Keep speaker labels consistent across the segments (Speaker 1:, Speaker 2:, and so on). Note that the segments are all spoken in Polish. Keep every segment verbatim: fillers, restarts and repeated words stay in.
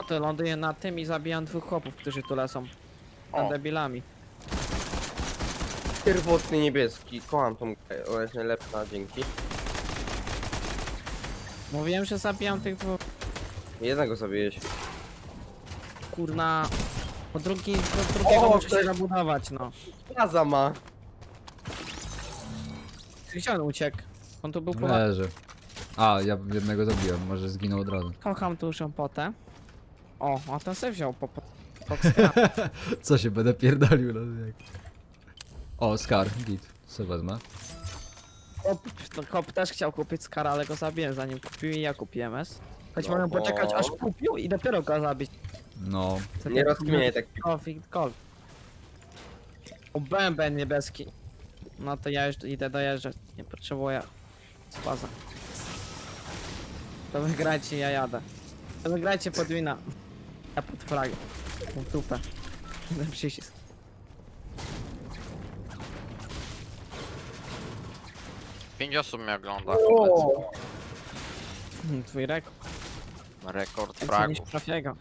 Speaker 1: to ląduję na tym i zabijam dwóch chłopów, którzy tu lecą.
Speaker 2: O.
Speaker 1: Nad debilami.
Speaker 2: Pierwotny niebieski, kocham tą grę, ona jest najlepsza, dzięki.
Speaker 1: Mówiłem, że zabijam tych dwóch.
Speaker 2: Jednego zabijeś.
Speaker 1: Kurna. Po drugi, po drugiego
Speaker 2: O,
Speaker 1: muszę
Speaker 2: to
Speaker 1: się
Speaker 2: jest-
Speaker 1: zabudować, no.
Speaker 2: Plaza ma.
Speaker 1: Gdzie on uciekł? On tu był po...
Speaker 3: Leży. A, ja jednego zabiłem, może zginął od razu.
Speaker 1: Kocham dużą potę. O, a ten se wziął po... po... po
Speaker 3: Co się będę pierdolił no jak. O, Scar, git. Co wezmę?
Speaker 1: Kop, no, Kop też chciał kupić Skara, ale go zabiłem zanim kupił i ja kupiłem S. Choć
Speaker 2: No
Speaker 1: mogę
Speaker 2: bo-
Speaker 1: poczekać aż kupił i dopiero go zabić.
Speaker 3: No.
Speaker 1: Co
Speaker 2: Nie
Speaker 1: ty-
Speaker 2: rozkminiaj tak.
Speaker 1: Coffee, kol. O, bęben niebieski. No to ja już idę dojeżdżać, nie potrzebuję spaza. To wygrajcie, ja jadę. To wygrajcie podwina. Ja pod flagę. W dupę. Ten przycisk.
Speaker 4: Pięć osób mnie ogląda.
Speaker 2: O,
Speaker 1: Hmm, Twój rekord.
Speaker 4: Rekord
Speaker 1: Więcej niż
Speaker 4: fragów.
Speaker 1: trafiego.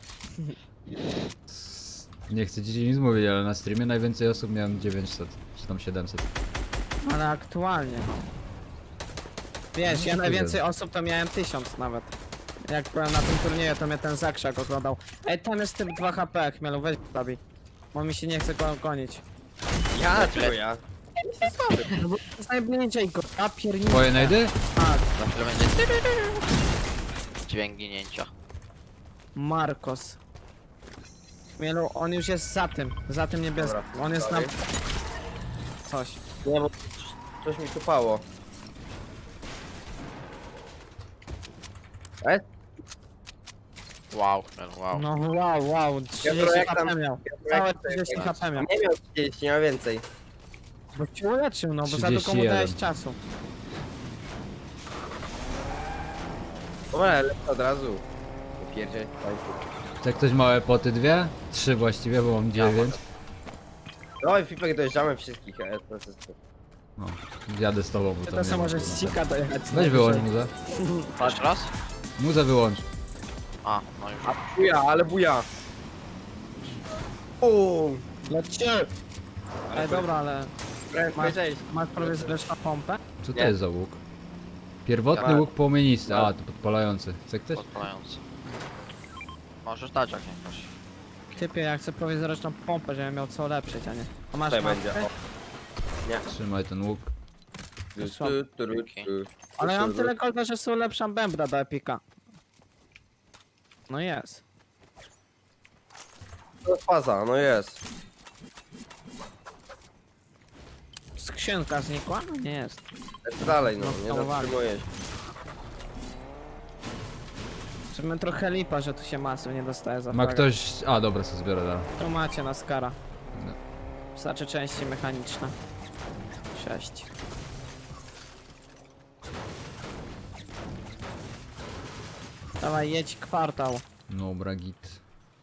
Speaker 3: Nie chcę ci nic mówić, ale na streamie najwięcej osób miałem dziewięćset, czy tam siedemset.
Speaker 1: Ale aktualnie. Wiesz,
Speaker 3: No,
Speaker 1: ja
Speaker 3: to
Speaker 1: najwięcej
Speaker 3: wiem.
Speaker 1: osób to miałem tysiąc nawet. Jak byłem na tym turnieju, to mnie ten Zakrzak oglądał. Ej, tam jest typ dwa H P, Chmielu, weź zabij. Bo mi się nie chce go gonić.
Speaker 2: ja, tylko ja.
Speaker 1: No bo to jest najbliżej go, ja pierniczę.
Speaker 3: Twoje najdy?
Speaker 1: Tak,
Speaker 4: Za chwilę będzie dźwięk ginięcia.
Speaker 1: Marcos. Chmielu, on już jest za tym, za tym niebieskim.
Speaker 2: Dobra,
Speaker 1: On jest na...
Speaker 2: sorry.
Speaker 1: Coś.
Speaker 2: Nie, bo coś mi tupało. E?
Speaker 4: Wow, chmiel, wow.
Speaker 1: No wow, wow, trzydzieści
Speaker 2: jak
Speaker 1: H
Speaker 2: tam-
Speaker 1: P miał. Całe trzydzieści H P miał.
Speaker 2: Nie miał trzydzieści, miał więcej.
Speaker 1: Bo cię uleczył, no bo za długo mu
Speaker 3: trzydzieści jeden.
Speaker 1: dałeś czasu.
Speaker 2: Dobra, lecę od razu. Nie pierdziej,
Speaker 3: Chce ktoś małe poty dwie? Trzy właściwie, bo mam dziewięć.
Speaker 2: No i Fipek dojeżdżamy wszystkich, e, to jest...
Speaker 3: No, jadę z tobą, bo
Speaker 1: Ty
Speaker 3: to
Speaker 1: to
Speaker 3: nie
Speaker 1: samo
Speaker 3: ma
Speaker 1: możesz z
Speaker 3: problemu.
Speaker 1: Sika dojechać.
Speaker 3: Weź wyłącz muzę.
Speaker 4: Jeszcze raz?
Speaker 3: Muzę wyłącz.
Speaker 4: A, no już.
Speaker 2: A buja, ale buja. Uuu.
Speaker 1: Lećcie! Ej, dobra, ale
Speaker 2: Masz,
Speaker 1: Masz-
Speaker 2: cześć.
Speaker 1: masz prawie zresztą pompę?
Speaker 3: Co to
Speaker 2: Nie.
Speaker 3: jest za łuk? Pierwotny
Speaker 2: Ja-
Speaker 3: łuk płomienisty. A, to podpalający. Chce ktoś?
Speaker 4: Podpalający. Możesz dać jak nie chcesz.
Speaker 1: Typie, ja chcę prawie zresztą pompę, żebym miał co ulepszyć, a nie. A masz
Speaker 2: Tutaj
Speaker 1: mapkę?
Speaker 2: będzie, o.
Speaker 3: Trzymaj ten łuk.
Speaker 2: Tu,
Speaker 1: Słabo.
Speaker 2: tu, tu, tu, tu.
Speaker 1: Ale ja mam
Speaker 2: Tu,
Speaker 1: tyle golda, że sobie ulepszam bębna do epika. No jest.
Speaker 2: To jest faza, no jest.
Speaker 1: Skrzynka znikła? No nie jest.
Speaker 2: Lecę dalej, no,
Speaker 1: No,
Speaker 2: nie
Speaker 1: hamowali.
Speaker 2: zatrzymuję się.
Speaker 1: Żeby trochę lipa, że tu się masy nie dostaje za
Speaker 3: Ma
Speaker 1: flagę.
Speaker 3: ktoś... A, dobra, co zbiorę dalej.
Speaker 1: Tu macie na skara.
Speaker 3: No.
Speaker 1: Wystarczy części mechaniczne. Sześć. Dawaj, jedź kwartał.
Speaker 3: Dobra, git.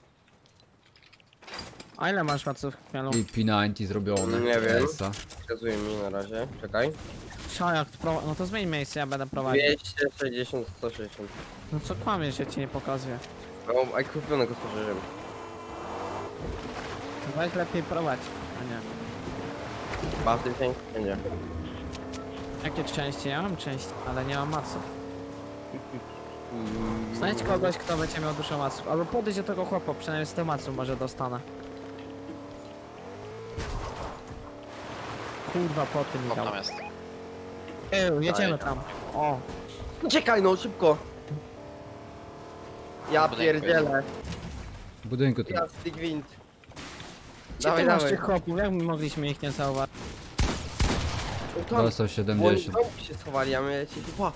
Speaker 1: A ile masz maców chmielu?
Speaker 3: I P dziewięćdziesiąt zrobione.
Speaker 2: Nie wiem.
Speaker 3: Esa.
Speaker 2: Wskazuje mi na razie, czekaj.
Speaker 1: Co, jak pro... No to zmień miejsce, ja będę prowadził.
Speaker 2: dwieście sześćdziesiąt, sto sześćdziesiąt.
Speaker 1: No co kłamiesz, ja ci nie pokazuję.
Speaker 2: O, a kupionego spożyłem.
Speaker 1: Weź lepiej prowadź, a nie.
Speaker 2: Bardzo dzięki, będzie.
Speaker 1: Jakie części? Ja mam części, ale nie mam maców. Znajdź kogoś, kto będzie miał dużo maców. Albo podejdź do tego chłopa, przynajmniej z tych maców może dostanę. Kurwa, po tym mi
Speaker 4: Co
Speaker 1: dał.
Speaker 4: tam jest?
Speaker 1: Ej, jedziemy
Speaker 4: Daję.
Speaker 1: tam. O,
Speaker 2: Czekaj no, szybko! Ja
Speaker 4: Budynku
Speaker 2: pierdzielę.
Speaker 3: W budynku tu.
Speaker 2: Jasny gwint.
Speaker 1: gdzie
Speaker 2: Dawaj,
Speaker 1: ty masz
Speaker 2: dawaj.
Speaker 1: tych chłopów? Jak my mogliśmy ich nie zauważyć?
Speaker 2: No tam,
Speaker 3: Dostał
Speaker 2: bo oni w
Speaker 3: siedemdziesiąt.
Speaker 2: domu się schowali, a my lecimy. Ła.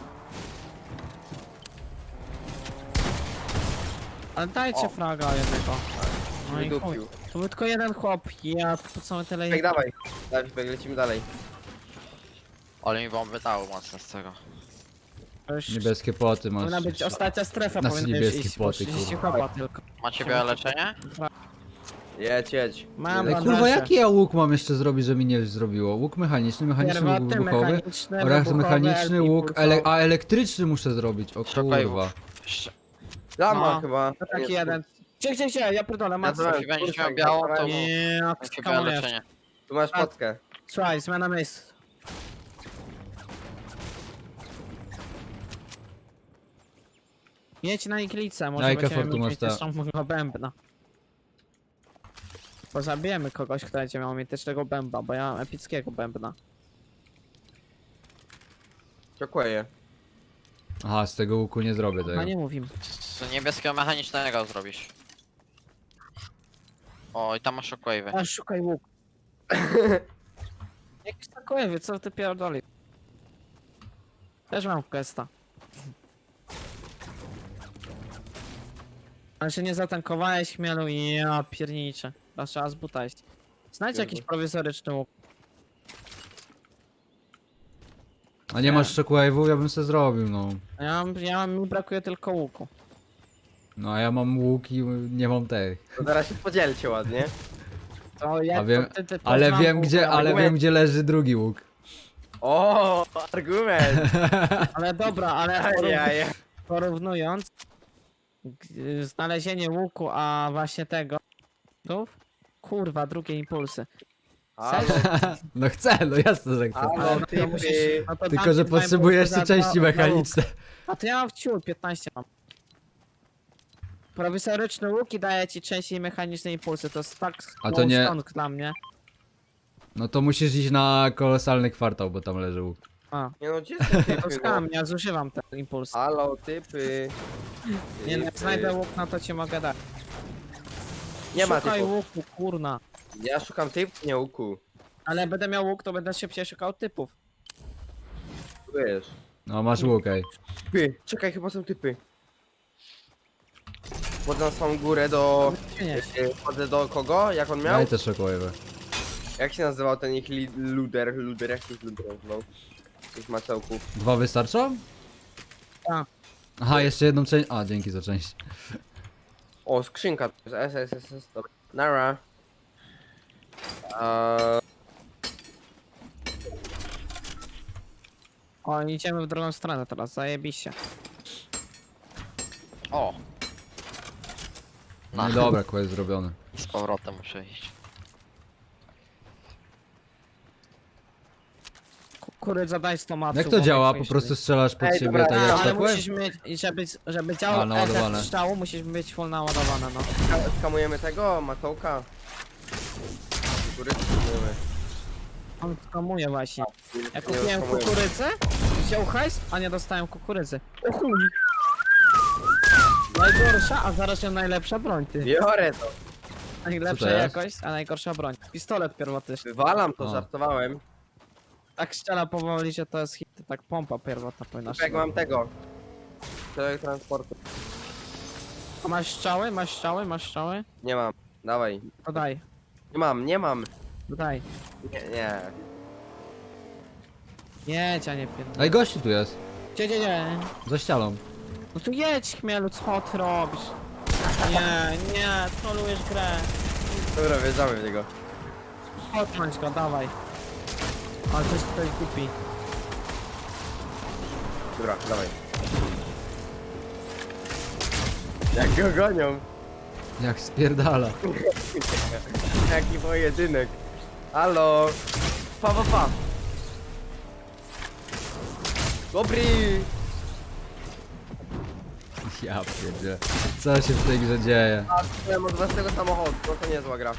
Speaker 1: Ale dajcie
Speaker 2: O.
Speaker 1: fraga jednego. No i chuj.
Speaker 2: Wydupił.
Speaker 1: To był tylko jeden chłop, ja po co my tyle...
Speaker 2: Fipek, dawaj. Dawaj, Fipek, lecimy dalej.
Speaker 4: Ale mi bomby dały mocno z tego.
Speaker 1: To już
Speaker 3: Niebieskie poty masz.
Speaker 1: powinna być ostatnia strefa,
Speaker 3: Nas
Speaker 1: powinna już
Speaker 3: niebieskie
Speaker 1: iść, bo
Speaker 3: płoty,
Speaker 1: trzydzieści
Speaker 3: kurwa.
Speaker 1: chłopa tylko.
Speaker 4: Macie białe leczenie?
Speaker 2: Jedź, jedź.
Speaker 1: Mam
Speaker 3: Ej,
Speaker 1: bandaże.
Speaker 3: kurwa, jaki ja łuk mam jeszcze zrobić, żeby mi nie zrobiło? Łuk mechaniczny, mechaniczny łuk
Speaker 1: Pierwotny,
Speaker 3: wybuchowy
Speaker 1: mechaniczny,
Speaker 3: oraz
Speaker 1: wybuchowy,
Speaker 3: mechaniczny
Speaker 1: L P
Speaker 3: łuk,
Speaker 1: pulsowy.
Speaker 3: ele a elektryczny muszę zrobić, o
Speaker 4: Szukaj
Speaker 3: kurwa.
Speaker 4: Jeszcze.
Speaker 2: Lama
Speaker 1: No,
Speaker 2: chyba.
Speaker 1: To taki jeden. Gdzie, gdzie, gdzie? Ja pierdolę,
Speaker 2: Ja
Speaker 1: masz.
Speaker 2: to mam.
Speaker 4: Jeśli będziesz
Speaker 2: Kurczak,
Speaker 4: miał białą, to
Speaker 2: zabrałem.
Speaker 1: Nie, jak
Speaker 4: Jakie miałem
Speaker 1: skamujesz.
Speaker 4: leczenie.
Speaker 2: Tu masz
Speaker 1: A-
Speaker 2: potkę.
Speaker 1: Słuchaj, zmiana miejsc. Jedź na iglicę, może
Speaker 3: Jajka
Speaker 1: będziemy
Speaker 3: Fortuna
Speaker 1: mieć
Speaker 3: sta-
Speaker 1: mitycznego bębna. Bo zabijemy kogoś, kto będzie miał mitycznego bębna, bo ja mam epickiego bębna.
Speaker 2: Dziękuję.
Speaker 3: Aha, z tego łuku nie zrobię tego.
Speaker 1: No nie mówimy.
Speaker 4: Z niebieskiego mechanicznego zrobisz. O, i tam masz shockwave'y.
Speaker 1: A szukaj łuk. Jakiś takowy, co ty pierdoli? Też mam questa. Ale się nie zatankowałeś chmielu i ja pierniczę. Teraz trzeba z buta iść. Znajdź
Speaker 2: Pierdol.
Speaker 1: jakiś prowizoryczny łuk.
Speaker 3: A nie masz shockwave'u? Ja bym se zrobił, no.
Speaker 1: Ja mam, ja mam, mi brakuje tylko łuku.
Speaker 3: No a ja mam łuk i nie mam tej.
Speaker 2: To zaraz się podzielcie ładnie.
Speaker 1: To ja,
Speaker 3: A wiem-
Speaker 1: to ty, ty, to
Speaker 3: Ale
Speaker 1: znam
Speaker 3: wiem
Speaker 1: łuk,
Speaker 3: gdzie, ale
Speaker 2: argument.
Speaker 3: wiem gdzie leży drugi łuk.
Speaker 2: O, argument.
Speaker 1: Ale dobra, ale porów,
Speaker 2: Ajaj.
Speaker 1: porównując g- znalezienie łuku, a właśnie tego. Tu? Kurwa, drugie impulsy.
Speaker 2: Halo,
Speaker 3: No chcę, no jasne, że chcę.
Speaker 2: halo,
Speaker 1: Ale no to
Speaker 2: typy.
Speaker 1: musisz, no to
Speaker 3: Tylko,
Speaker 1: dam
Speaker 3: że
Speaker 1: ci dwa
Speaker 3: potrzebuję
Speaker 1: impulsy
Speaker 3: jeszcze
Speaker 1: za
Speaker 3: części
Speaker 1: dwa- za łuk.
Speaker 3: mechaniczne.
Speaker 1: A to ja mam wciół, piętnaście mam. Prowizoryczny łuk i daje ci części mechaniczne impulsy, to jest tak
Speaker 3: A to nie-
Speaker 1: stąd dla mnie.
Speaker 3: No to musisz iść na kolosalny kwartał, bo tam leży łuk.
Speaker 1: A,
Speaker 2: Nie no, gdzie są typy?
Speaker 1: to
Speaker 2: No?
Speaker 1: skam, ja zużywam te impulsy.
Speaker 2: Halo, typy.
Speaker 1: Nie no, jak
Speaker 2: Typy.
Speaker 1: znajdę łuk, no to ci mogę dać.
Speaker 2: Nie ma
Speaker 1: Szukaj
Speaker 2: typów.
Speaker 1: łuku, kurna.
Speaker 2: Ja szukam typów, nie łuku.
Speaker 1: Ale będę miał łuk, to będę szybciej szukał typów.
Speaker 2: Wiesz.
Speaker 3: No masz łuk, ej.
Speaker 2: Typy. Czekaj, chyba są typy. Wchodzę na samą górę do...
Speaker 1: Przynieś.
Speaker 2: e, Wchodzę do kogo? Jak on miał?
Speaker 3: Daj te shockwave'y.
Speaker 2: Jak się nazywał ten ich li- luder? Luder, jak ich luder nazywał? Tych macełków.
Speaker 3: Dwa wystarczą?
Speaker 1: Tak.
Speaker 3: Aha, jeszcze jedną część. A, dzięki za część.
Speaker 2: O, skrzynka. To jest S, S, S, S, dobra. Nara. Eee,
Speaker 1: O, idziemy w drugą stronę teraz, zajebiście.
Speaker 4: O!
Speaker 3: No i dobra, quest zrobiony.
Speaker 4: Z powrotem muszę iść.
Speaker 1: Kukurydza, daj z tomatu.
Speaker 3: Jak to
Speaker 1: bo
Speaker 3: działa?
Speaker 1: myślisz,
Speaker 3: Po prostu
Speaker 1: że-
Speaker 3: strzelasz pod
Speaker 2: Ej,
Speaker 3: siebie,
Speaker 2: dobra,
Speaker 3: tak
Speaker 1: A,
Speaker 3: jak
Speaker 1: ale
Speaker 3: shockwave?
Speaker 1: musisz mieć, i żeby, żeby
Speaker 3: A,
Speaker 1: działał
Speaker 3: naładowane.
Speaker 1: efekt strzału, musisz mieć full naładowane, no.
Speaker 2: ska- skamujemy tego? Matołka? Kukurydzy skamujemy.
Speaker 1: On skamuje właśnie. Ja
Speaker 2: Nie
Speaker 1: kupiłem
Speaker 2: skamujemy.
Speaker 1: kukurydzę, wziął hajs, a nie dostałem kukurydzy. O chuj! Najgorsza, a zaraz się najlepsza broń, ty.
Speaker 2: Biorę to.
Speaker 1: Najlepsza
Speaker 3: Co to jest?
Speaker 1: jakość, a najgorsza broń. Pistolet pierwotny.
Speaker 2: Wywalam to,
Speaker 3: O.
Speaker 2: żartowałem.
Speaker 1: Tak strzela powoli, że to jest hit, tak pompa pierwotna powinna
Speaker 2: Jak
Speaker 1: strzelać.
Speaker 2: mam tego? Człowiek transportu.
Speaker 1: A masz strzały, masz strzały, masz strzały?
Speaker 2: Nie mam. Dawaj.
Speaker 1: To daj,
Speaker 2: Nie mam, nie mam.
Speaker 1: to daj.
Speaker 2: Nie, nie.
Speaker 1: Jedź, a nie pierdolę.
Speaker 3: Ej, gościu tu jest.
Speaker 1: Gdzie, gdzie, gdzie?
Speaker 3: Za ścianą.
Speaker 1: No tu jedź, chmielu, co ty robisz? Nie, nie, trolujesz grę.
Speaker 2: Dobra, wjeżdżamy w niego.
Speaker 1: Odpądź go, dawaj. Ale coś tutaj kupi.
Speaker 2: Dobra, dawaj. Jak go gonią.
Speaker 3: Jak spierdala.
Speaker 2: Jaki pojedynek. Halo. Pa, pa, pa. Dobry.
Speaker 3: Ja pierdzie. Co się w tej grze dzieje?
Speaker 2: A, byłem od własnego samochodu, no to niezła gra.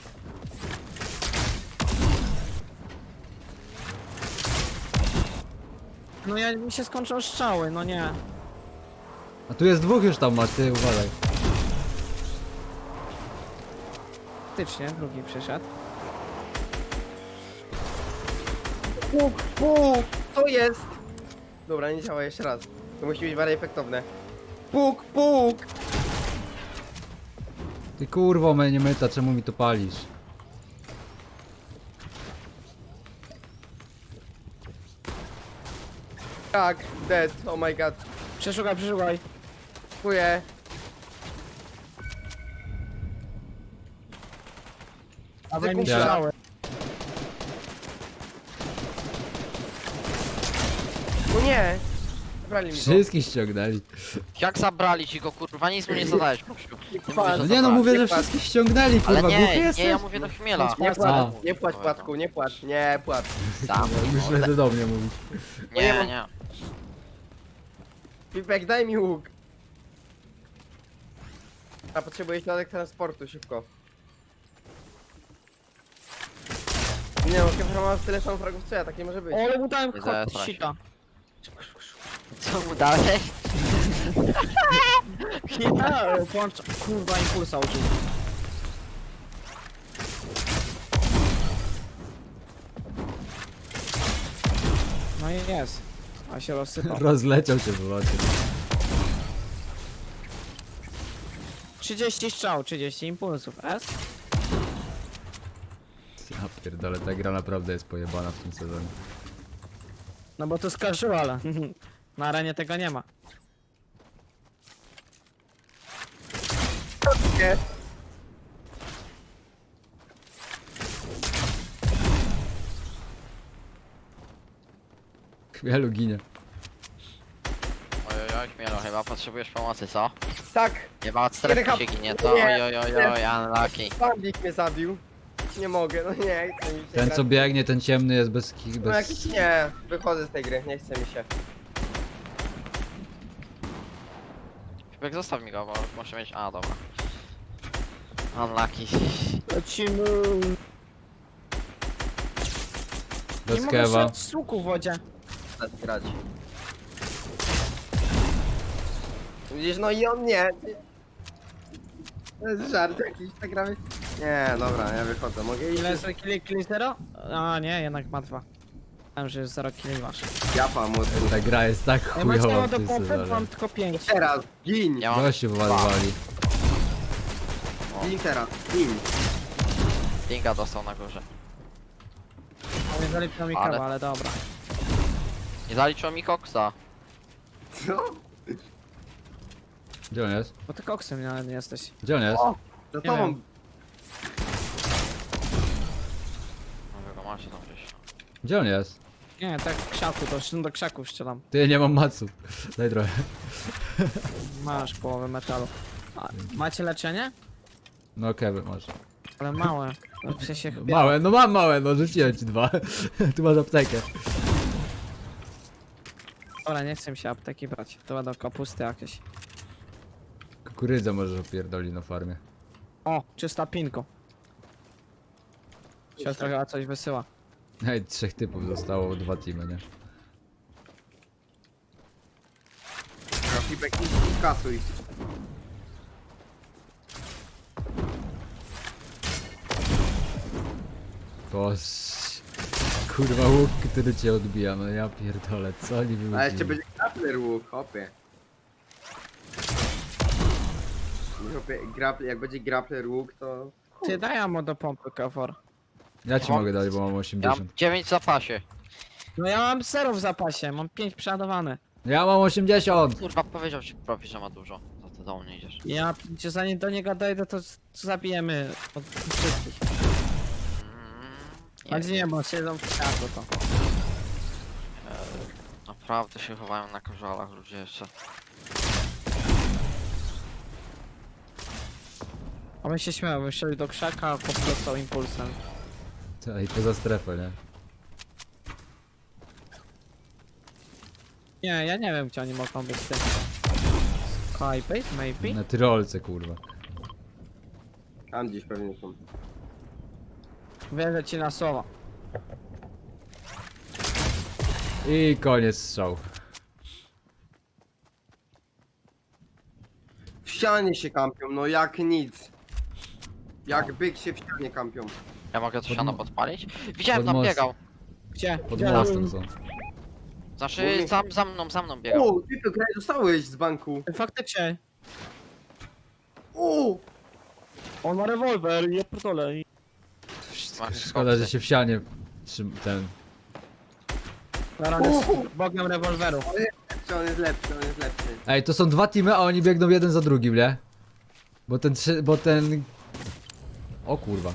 Speaker 1: No ja, mi się skończą strzały, no nie.
Speaker 3: A tu jest dwóch już tam masz, ty uważaj.
Speaker 1: Faktycznie, drugi przyszedł.
Speaker 2: Puk, puk. Co jest? Dobra, nie działa jeszcze raz. To musi być bardziej efektowne. Puk, puk.
Speaker 3: Ty kurwo mnie nie myta, czemu mi to palisz?
Speaker 2: Tak, dead, oh my god.
Speaker 1: Przeszukaj, przeszukaj.
Speaker 2: Dziękuję.
Speaker 1: Dawaj mi
Speaker 2: kumpla.
Speaker 1: strzały.
Speaker 2: No nie. Brali mi go.
Speaker 3: Wszystkich ściągnęli.
Speaker 4: Jak zabrali ci go, kurwa, nic mu nie zadałeś, gościu. Nie mówię,
Speaker 3: No
Speaker 4: że
Speaker 3: nie no,
Speaker 4: zabrali.
Speaker 3: mówię, że
Speaker 2: Nie płacz.
Speaker 3: wszystkich ściągnęli,
Speaker 4: Ale
Speaker 3: kurwa, głuchy
Speaker 4: nie,
Speaker 3: jesteś?
Speaker 4: nie, ja mówię do chmiela.
Speaker 2: Nie
Speaker 3: A.
Speaker 2: płacz, nie płacz Płatku, nie płacz, nie płacz.
Speaker 4: Sam.
Speaker 3: Myślę, że do mnie mówisz.
Speaker 4: Nie, nie.
Speaker 2: Pipek, daj mi łuk. A potrzebuję środek transportu, szybko. Nie no, Kefra ma tyle samo fragów co ja, tak nie może być.
Speaker 1: O, ale mu dałem
Speaker 4: Nie
Speaker 1: hot
Speaker 4: zesraj się.
Speaker 1: sita.
Speaker 4: Co mu dalej?
Speaker 1: Nie, włącz, kurwa, impulsa użył. No i jest. A się rozsypał.
Speaker 3: Rozleciał się w locie.
Speaker 1: trzydzieści strzał, trzydzieści impulsów. S?
Speaker 3: Ja pierdolę, ta gra naprawdę jest pojebana w tym sezonie.
Speaker 1: No bo to jest casual. Na arenie tego nie ma.
Speaker 2: Nie.
Speaker 3: Chmielu ginie.
Speaker 4: Ojojoj, chmielo, chyba potrzebujesz pomocy, co?
Speaker 2: Tak,
Speaker 4: Chyba od strefy
Speaker 2: Jeden
Speaker 4: się
Speaker 2: hap-
Speaker 4: ginie, to
Speaker 2: nie.
Speaker 4: ojojoj, unlucky.
Speaker 2: bandit mnie zabił. Nie mogę, no nie, chce mi się
Speaker 3: Ten
Speaker 2: grać.
Speaker 3: co biegnie, ten ciemny jest bez... ki-
Speaker 2: No
Speaker 3: bez...
Speaker 2: jakiś nie, wychodzę z tej gry, nie chce mi się.
Speaker 4: Szybek, zostaw mi go, bo muszę mieć... A, dobra. Unlucky.
Speaker 1: Lecimy.
Speaker 3: Bez
Speaker 1: Nie mogę
Speaker 3: kewa.
Speaker 1: strzelać z łuku w wodzie.
Speaker 2: Chcę grać. Widzisz, no i on nie. To jest żart jakiś, tak gramy. Nie, dobra, ja wychodzę, mogę iść?
Speaker 1: Ile jest killi, killi zero? A nie, jednak ma dwa. Wiem, że jest zero killi masz.
Speaker 2: Ja pam od
Speaker 3: Ta gra jest tak
Speaker 1: Ja mam
Speaker 3: chujowa
Speaker 1: ciało
Speaker 3: w
Speaker 1: do
Speaker 3: tym
Speaker 1: pompy,
Speaker 3: sezonie.
Speaker 1: mam tylko pięć.
Speaker 2: Teraz, gin!
Speaker 4: Ja mam...
Speaker 3: Goście wywalowali.
Speaker 2: Gin teraz, gin.
Speaker 4: Dinga dostał na górze.
Speaker 1: Nie zaliczyło mi
Speaker 4: Ale-
Speaker 1: kawa, ale dobra.
Speaker 4: Nie zaliczyło mi koksa.
Speaker 2: Co?
Speaker 3: Gdzie on jest?
Speaker 1: Bo ty koksem nawet nie jesteś.
Speaker 3: Gdzie on jest?
Speaker 2: O! Za
Speaker 1: Nie
Speaker 2: tobą!
Speaker 1: wiem.
Speaker 4: No wy go macie tam gdzieś.
Speaker 3: Gdzie on jest?
Speaker 1: Nie, tak w krzaku, to już do krzaków strzelam.
Speaker 3: Ty, nie mam maców. Daj trochę.
Speaker 1: Masz połowę metalu. A, macie leczenie?
Speaker 3: No Kevin, masz.
Speaker 1: Ale małe. No, w sensie chyba.
Speaker 3: Małe, no mam małe, no rzuciłem ci dwa. Tu masz aptekę.
Speaker 1: Dobra, nie chcę mi się apteki brać. To będą kapusty jakieś.
Speaker 3: Kukurydzę możesz opierdolić na farmie.
Speaker 1: O, czysta pinko. Siostra chyba coś wysyła.
Speaker 3: Ej, trzech typów zostało, dwa teamy, nie?
Speaker 2: Feedback i kasuj.
Speaker 3: Boż... Kurwa łuk, który cię odbija, no ja pierdolę, co oni wymyślili?
Speaker 2: A jeszcze będzie grappler łuk, hopie. Hopie, grappler, jak będzie grappler łuk, to...
Speaker 1: Ty daj ammo do pompy, Kafor.
Speaker 3: Ja ci
Speaker 4: Mam-
Speaker 3: mogę dać, bo mam
Speaker 4: Ja mam
Speaker 3: osiemdziesiąt.
Speaker 4: dziewięć w zapasie.
Speaker 1: No ja mam zero w zapasie, mam pięć przeładowane.
Speaker 3: Ja mam osiemdziesiąt!
Speaker 4: Kurwa, powiedział ci profi, że ma dużo. Za to do mnie idziesz.
Speaker 1: Ja, czy zanim do niego dojdę, to z- zabijemy od wszystkich.
Speaker 4: Mm,
Speaker 1: Ale nie, bo siedzą w krzaku to.
Speaker 4: Naprawdę się chowają na korzalach ludzie jeszcze.
Speaker 1: A my się śmiał, wyszli do krzaka, poplecał impulsem.
Speaker 3: I poza strefę, nie?
Speaker 1: Nie, ja nie wiem, gdzie oni mogą być tym. Skybase, maybe?
Speaker 3: Na tyrolce, kurwa.
Speaker 2: Tam gdzieś pewnie są.
Speaker 1: Wierzę ci na słowo.
Speaker 3: I koniec strzał.
Speaker 2: W ścianie się kampią, no jak nic. Jak byk się w ścianie kampią.
Speaker 4: Ja mogę to
Speaker 3: Pod-
Speaker 4: siano podpalić? Widziałem,
Speaker 3: pod
Speaker 4: tam
Speaker 3: most.
Speaker 4: biegał.
Speaker 1: Gdzie?
Speaker 3: Pod
Speaker 1: Gdzie?
Speaker 3: mostem są.
Speaker 4: Znaczy,
Speaker 2: Mówię-
Speaker 4: za, za mną, za mną biegał.
Speaker 2: O, ty to graj dostałeś z banku.
Speaker 1: Faktycznie.
Speaker 2: O!
Speaker 1: On ma rewolwer, ja pierdolę.
Speaker 4: Masz
Speaker 3: Szkoda, że się w sianie trzym, ten...
Speaker 1: Zaraz jest bogiem rewolweru.
Speaker 2: Czy on jest lepszy, on jest lepszy.
Speaker 3: Ej, to są dwa teamy, a oni biegną jeden za drugim, nie? Bo ten trzy, bo ten... O kurwa.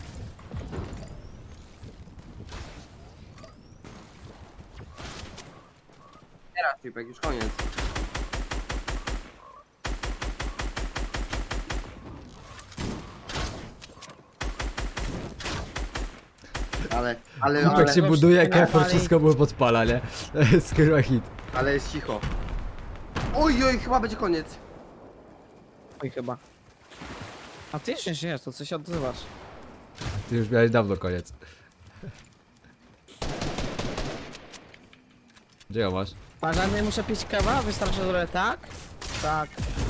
Speaker 2: Teraz Pipek, już koniec. Ale, ale,
Speaker 3: Kupek
Speaker 2: ale,
Speaker 3: się buduje,
Speaker 1: ale-
Speaker 3: Kefor
Speaker 1: ale-
Speaker 3: wszystko mu podpala, nie? To jest kurwa hit.
Speaker 2: ale jest cicho. Oj, oj, chyba będzie koniec.
Speaker 1: Oj, chyba. A ty jeszcze nie żyjesz, to co się odzywasz?
Speaker 3: Ty już miałeś dawno koniec. Gdzie ją masz?
Speaker 1: Parzany muszę pić kawa? Wystarczy, że tak? Tak.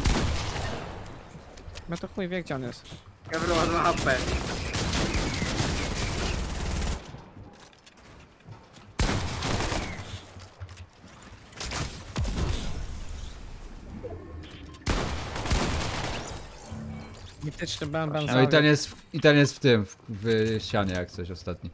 Speaker 1: No to chuj wie, gdzie on jest.
Speaker 2: Kevin ma dwa H P.
Speaker 1: Mityczny bęben.
Speaker 3: No i ten jest w, i ten jest w tym, w, w ścianie jak coś ostatni.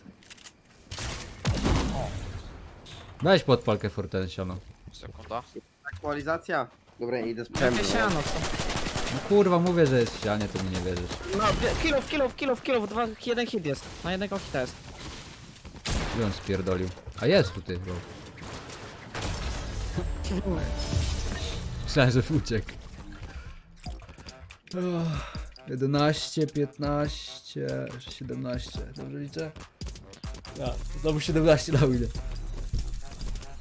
Speaker 3: Weź podpal Kefor ten siano.
Speaker 4: Sekunda.
Speaker 2: Aktualizacja. Dobra, idę z
Speaker 1: Jakie
Speaker 2: przemysłu.
Speaker 1: siano, co?
Speaker 3: No kurwa, mówię, że jest w ścianie, to mi nie wierzysz.
Speaker 1: No, kilof, kilof, kilof, kilof, dwa, jeden hit jest. Na jednego hita jest.
Speaker 3: Gdzie on spierdolił? A jest tutaj, bro. Myślałem, że uciekł. Uff, jedenaście, piętnaście, siedemnaście. Dobrze liczę? Ja, znowu siedemnaście na ile.